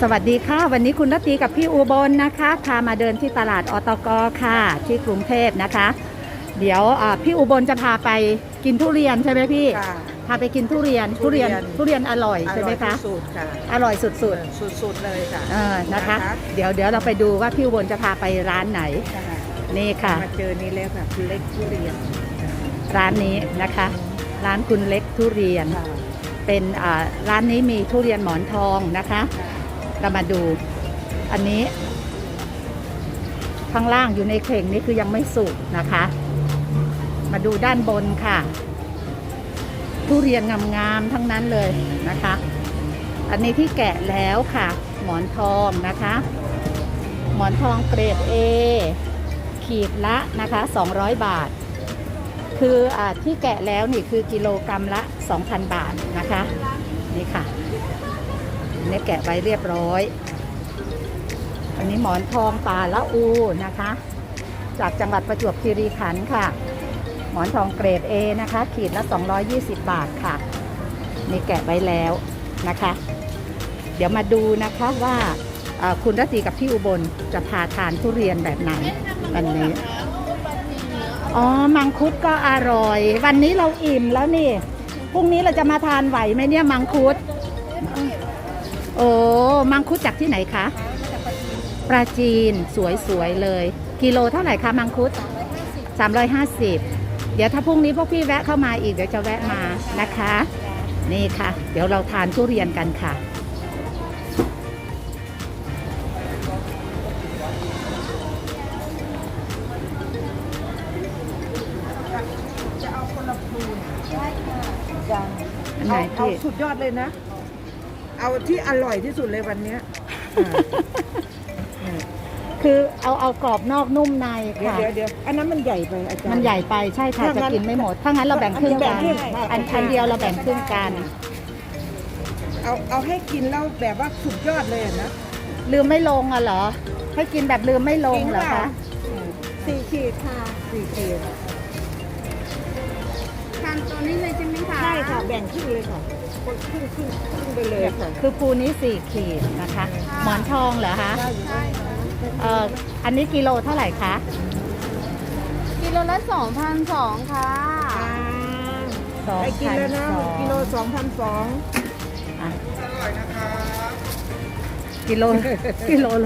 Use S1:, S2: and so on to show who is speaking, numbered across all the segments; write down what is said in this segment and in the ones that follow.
S1: สวัสดีค่ะวันนี้คุณรัตตีกับพี่อุบลนะคะพามาเดินที่ตลาดอตกค่ะที่กรุงเทพนะคะเดี๋ยวพี่อุบลจะพาไปกินทุเรียนใช่ไหมพี่พาไปกินทุเรียนอร่อยใช่ไหมคะ
S2: สุดค่ะ
S1: อร่อยสุด
S2: สุดเลยค่ะ
S1: นะคะเดี๋ยวเราไปดูว่าพี่อุบลจะพาไปร้านไหนนี่ค่ะ
S2: มาเจอนี่แล้วค่ะคุณเล็กทุเรียน
S1: ร้านนี้นะคะร้านคุณเล็กทุเรียนเป็นร้านนี้มีทุเรียนหมอนทองนะคะเรามาดูอันนี้ข้างล่างอยู่ในเข่งนี่คือยังไม่สุกนะคะมาดูด้านบนค่ะทุเรียนงามๆทั้งนั้นเลยนะคะอันนี้ที่แกะแล้วค่ะหมอนทองนะคะหมอนทองเกรด A ขีดละนะคะ200 บาทคือที่แกะแล้วนี่คือกิโลกรัมละ 2,000 บาทนะคะนี่ค่ะนี่แกะไว้เรียบร้อยอันนี้หมอนทองป่าละอูนะคะจากจังหวัดประจวบคีรีขันธ์ค่ะหมอนทองเกรด A นะคะขีดละ220 บาทค่ะนี่แกะไว้แล้วนะคะเดี๋ยวมาดูนะคะว่าคุณรัตตีกับพี่อุบลจะพาทานทุเรียนแบบไหนวันนี้อ๋อมังคุดก็อร่อยวันนี้เราอิ่มแล้วนี่พรุ่งนี้เราจะมาทานไหวไหมเนี่ยมังคุดโอ้มังคุดจากที่ไหนคะปราจีนสวยๆเลยกิโลเท่าไหร่คะมังคุด350เดี๋ยวถ้าพรุ่งนี้พวกพี่แวะเข้ามาอีกเดี๋ยวจะแวะมานะคะนี่ค่ะเดี๋ยวเราทานทุเรียนกันค่ะ
S2: จะเอาคนละพูนใช่ค่ะ
S1: เอา
S2: สุดยอดเลยนะเอาที่อร่อยที่สุดเลยวันนี้
S1: คือเอากรอบนอกนุ่มในค่ะ
S2: เดี๋ยวอันนั้นมันใหญ่ไปอาจารย์
S1: มันใหญ่ไปใช่ค่ะจะกินไม่หมดถ้างั้นเราแบ่งครึ่งกันอันเดียวเราแบ่งครึ่งกัน
S2: เอาให้กินแล้วแบบว่าสุดยอดเลยนะ
S1: ลืมไม่ลงเหรอให้กินแบบลืมไม่ลงเหรอคะ
S2: 4 ขีดค่ะ4 ขีด
S3: ทานตัวนี้เลยใช่ไหมคะ
S2: ใช่ค่ะแบ่งครึ่งเลยค่ะครึ่งไปเลยค่ะ
S1: คือภูนี้4 ขีดนะคะหมอนทองเหรอคะ
S3: ใช่
S1: อันนี้กิโลเท่าไหร่คะ
S3: กิโลละ2,200ค่ะ
S2: ไปกินแล้วนะกิโล2,200
S1: กิโลละ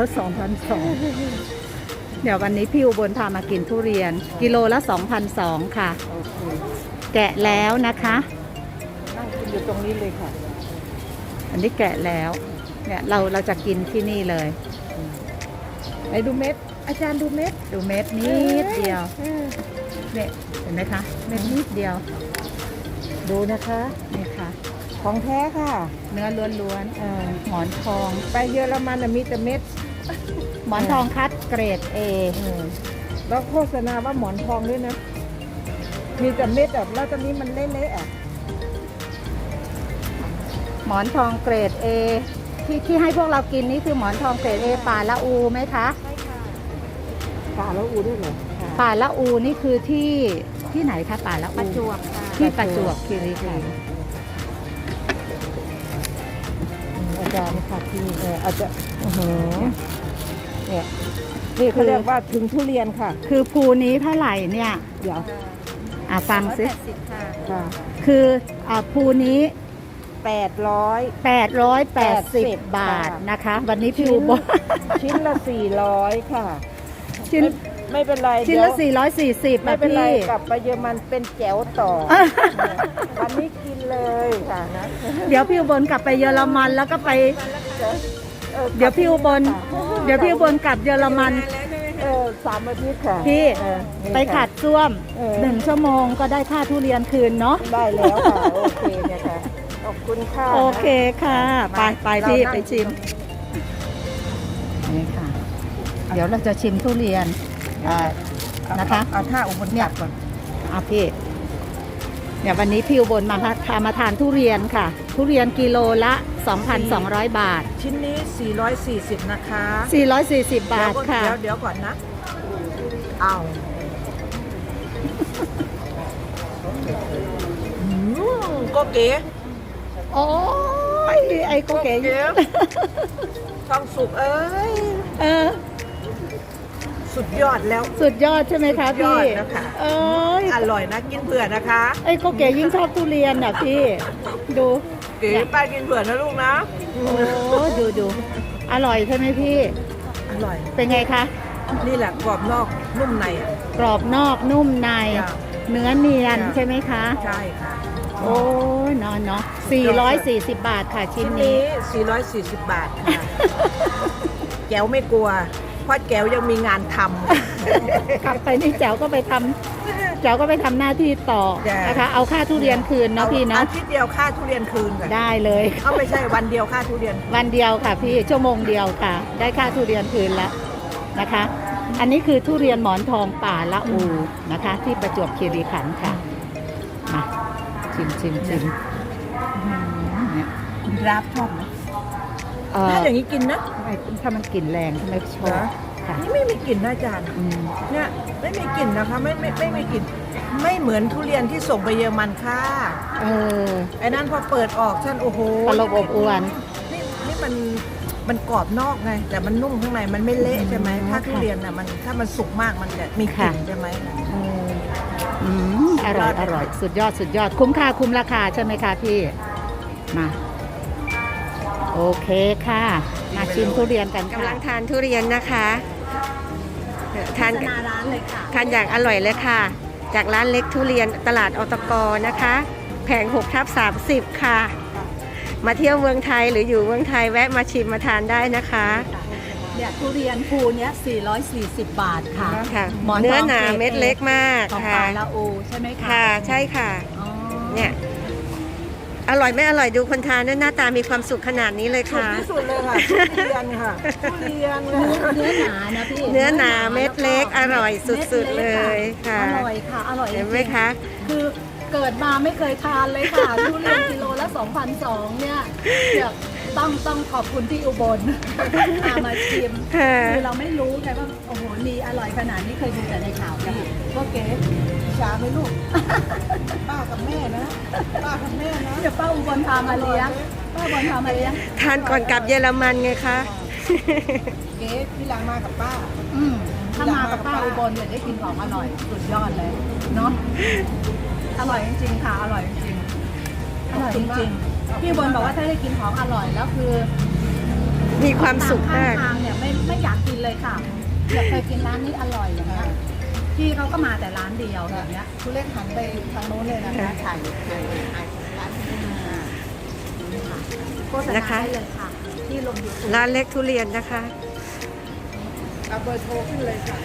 S1: 2,200เดี๋ยววันนี้พี่อุบลพามากินทุเรียนกิโลละ2,200ค่ะแกะแล้วนะคะ
S2: นั่งกินอยู่ตรงนี้เลยค่ะ
S1: อันนี้แกะแล้วเนี่ยเราจะกินที่นี่เลย
S2: ไปดูเม็ดอาจารย์ดูเม็ด
S1: นิดเดียวเนี่ยเห็นไหมคะเม็ดนิดเดียว
S2: ดูนะคะ
S1: นี่ค่ะ
S2: ของแท้ค่ะ
S1: เนื้อล้วนๆหมอนทอง
S2: ไปเยอรมันมีแต่เม็ด
S1: หมอนทองคัดเกรด A
S2: แล้วโฆษณาว่าหมอนทองด้วยนะมีแต่เม็ดแบบแล้วตอนนี้มันเละๆอ่ะ
S1: หมอนทองเกรด A ที่ให้พวกเรากินนี่คือหมอนทองเกรด A ป่าละอูไหมคะ
S2: ใช่ค่ะป่าละอูด้วยเหรอ
S1: ป่าละอูนี่คือที่ไหนคะป่าละอู
S3: ประจวบ
S1: ที่ประจวบคีรีขันธ์
S2: อาจารย์ค่ะที่อาจจะเนี่ยนี่เขาเรียกว่าถึงทุเรียนค่ะ
S1: คือภูนี้เท่าไหร่เนี่ย
S2: เดี๋ยว
S1: ฟังซิ
S2: ค่ะ
S1: คือภูนี้
S2: 880
S1: บาทนะคะวันนี้พี่อุบล
S2: ชิ้นละ400ค่ะ
S1: ชิ้น
S2: ไม่เป็นไร
S1: ชิ้นละ440
S2: ไม่เป็นไรกลับไปเยอรมันเป็นแจ๋วต่อวันนี้กินเลยค่ะนะ
S1: เดี๋ยวพี่อุบลกลับไปเยอรมันแล้วก็ไปเดี๋ยวพี่อุบลกลับเยอรมัน
S2: 3 อาทิตย์ค่ะ
S1: พี่ไปขัดซ่วม1 ชั่วโมงก็ได้ค่าทุเรียนคืนเนาะ
S2: ได้แล้วค่ะโอเคเนี่ยค่ะขอบคุณค่ะ
S1: โอเคค่ะไปพี่ไปชิมนี่ค่ะเดี๋ยวเราจะชิมทุเรียนนะคะ
S2: เอาท่าอุบลเนี่ยก่อน
S1: พี่เนี่ยวันนี้พี่อุบลมาทานทุเรียนค่ะทุเรียนกิโลละ 2,200 บาท
S2: ชิ้นนี้440นะคะ
S1: 440 บาทค่ะ
S2: เดี๋ยวก่อนนะเอาก็เก๋
S1: โอ้ยไอ้ก็เก๋
S2: ทองสุกเอ้ย
S1: เออ
S2: สุดยอดแล้ว
S1: สุดยอดใช่ไหมคะ
S2: สุดย
S1: พี่
S2: อดนะคะ
S1: เอ้ย
S2: อร่อยนะกินเผื่อนะคะ
S1: ไอ้ยก็เก๋ยิ่งชอบทุเรียนอ่ะพี่ ดู
S2: เก๋ป้ากินเผื่อนะลูกนะ
S1: โอ้ดูอร่อยใช่ไหมพี่
S2: อร่อย
S1: เป็นไงคะ
S2: นี่แหละกรอบนอกนุ่มในอ่ะ
S1: กรอบนอกนุ่มใน
S2: จ้ะ
S1: เนื้อเนียน
S2: จ้ะ
S1: ใช่ไหมคะ
S2: ใช่ค่ะ
S1: โอ้ยเนาะ440 บาทค่ะชิ้
S2: ชิ้
S1: น
S2: น
S1: นี้
S2: นี้ 440 บาทค่ะ แก้วไม่กลัว เพราะแก้วยังมีงานทำ
S1: กลับไปนี่แจ๋วก็ไปทำหน้าที่ต่อ
S2: จ้ะ
S1: นะคะ เอาค่าทุเรียนคืนเนาะพี่เนาะ
S2: อาทิตย์เดียวค่าทุเรียนคืนค่ะ
S1: ได้เลย
S2: เอาไม่ใช่วันเดียวค่าทุเรียน
S1: วันเดียวค่ะพี่ชั่วโมงเดียวค่ะ ได้ค่าทุเรียนคืนแล้วนะคะ อันนี้คือทุเรียนหมอนทองป่าละอูนะคะ ที่ประจวบคีรีขันธ์ค่ะมาชิมเนี่ย
S2: รับชอบไหม
S1: เอ่อ
S2: ถ้าอย่างนี้กินนะ
S1: ถ้ามันกลิ่นแรงทำไมชอบ
S2: เหรอ
S1: ค่ะ
S2: นี่ไม่มีกลิ่นนะอาจารย์
S1: อืม
S2: เนี่ยไม่มีกลิ่นนะคะไม่มีกลิ่นไม่เหมือนทุเรียนที่ส่งไปเยอรมันค่ะ
S1: เออ
S2: ไอ้นั่นพอเปิดออกฉันโอ้โห
S1: ตลบอบอวน
S2: นี่มันกรอบนอกไงแต่มันนุ่มข้างในมันไม่เละใช่ไหมถ้าทุเรียนน่ะมันถ้ามันสุกมากมันจะมีกลิ่นใช่ไหม
S1: เอออร่อยสุดยอดคุ้มค่าคุ้มราคาใช่ไหมคะพี่มาโอเคค่ะ มาชิมทุเรียนกัน
S4: กำ
S1: ค่ะ
S4: ลังทานทุเรียนนะคะทาน
S1: นาร้านเลยค่ะ
S4: ทานอย่างอร่อยเลยค่ะ จากร้านเล็กทุเรียนตลาดอตกนะคะ แผง6/30ค่ะ มาเที่ยวเมืองไทยหรืออยู่เมืองไทยแวะมาชิมมาทานได้นะคะ
S1: เนี่ยทุเรียนภูเนี้ย440 บาทค่ะ
S4: ค่ะ
S1: หมอนทอง
S4: เนื้อหนา
S1: เกรด
S4: เม็ดเล็กมาก
S1: ของ
S4: ค่ะ
S1: ป่าละอูใช่ไหมคะ
S4: ค่ะใช่ค่ะ
S1: อ๋อ
S4: เนี่ยอร่อยไม่อร่อยดูคนทานด้วยหน้าตามีความสุขขนาดนี้เลย
S2: สุด
S4: ค่ะ
S2: ที่สุดเลยค่ะทุเรียนค่ะทุเรียนค่ะ
S1: เนื้อหนานะพี่
S4: เนื้อหนาเม็ดเล็กอร่อยสุดๆเลยค่ะ
S1: อร่อยค่ะอร่อยจริ
S4: เห็
S1: ง
S4: นไหมคะ
S1: คือเกิดมาไม่เคยทานเลยค่ะ ทุเรียนกิโลละ 2,200 เนี่ยเดี๋ยวต้องขอบคุณที่อุบลพามาชิม
S4: ค่ะ
S1: คือเราไม่รู้ไงว่าโอ้โหมีอร่อยขนาดนี้เคยดูแต่ในข่าวพี่ก็เก๋
S2: ช้าไหมลูก ป้ากับแม่นะ ป้ากับแม่นะ
S1: เดี๋ยวป้าอุบลพามาเลี้ยงป้าอุบลพามาเลี้ยง
S4: ทานก่อนกลับเยอรมันไงคะ
S2: เก๋พี่หลังมากับป้า
S1: ถ้ามากับป้าอุบลเนี่ยได้กินของอร่อยสุดยอดเลยเนาะอร่อยจริงๆค่ะอร่อยจริงๆอร่อยจริงๆพี่อุบลบอกว่าถ้าได้กินของอร่อยแล้วคือ
S4: มีความสุข
S1: ข้าง
S4: มาก
S1: ทางเนี่ยไม่อยากกินเลยค่ะอยากเคยกินร้านนี้อร่อยอย่างเงี้ยพี่เขาก็มาแต่ร้านเดียวแบบเนี้ย
S2: คุณเล็กหันไปทางโน้นเลยนะคะถ่ายร้านนี้
S1: โฆษณาได้เลยค่ะ ที่ลงยูทูบ
S4: ร้านเล็กทุเรียนนะคะ
S2: เอาเบอร์โทรขึ้นเลยค่ะ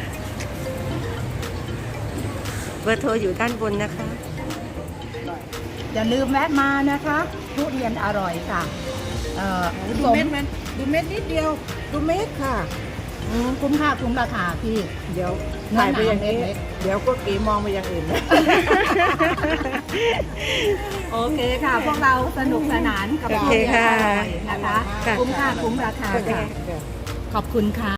S4: เบอร์โทรอยู่ด้านบนนะคะ
S1: อย่าลืมแวะมานะคะทุเรียนอร่อยค่ะ
S2: ดูเม็ดมันดูเม็ดนิดเดียว ดูเม็ดค่ะ
S1: คุ้มค่าคุ้มราคาพี่
S2: เดี๋ยว
S1: เนื้อ
S2: ถ่าย
S1: หนา
S2: ไปอย่างนี้
S1: เม็ด
S2: เดี๋ยวก็กีมองไปอย่างอื่นนะ
S1: โอเคค่ะ พวกเราสนุกสนานกับ
S4: โอ
S1: ทุ
S4: เค
S1: เรียน
S4: ค่ะ
S1: อร่อยนะคะ
S4: ค่ะ
S1: คุ้มค่าคุ้มราคาค่ะ ขอบคุณค่ะ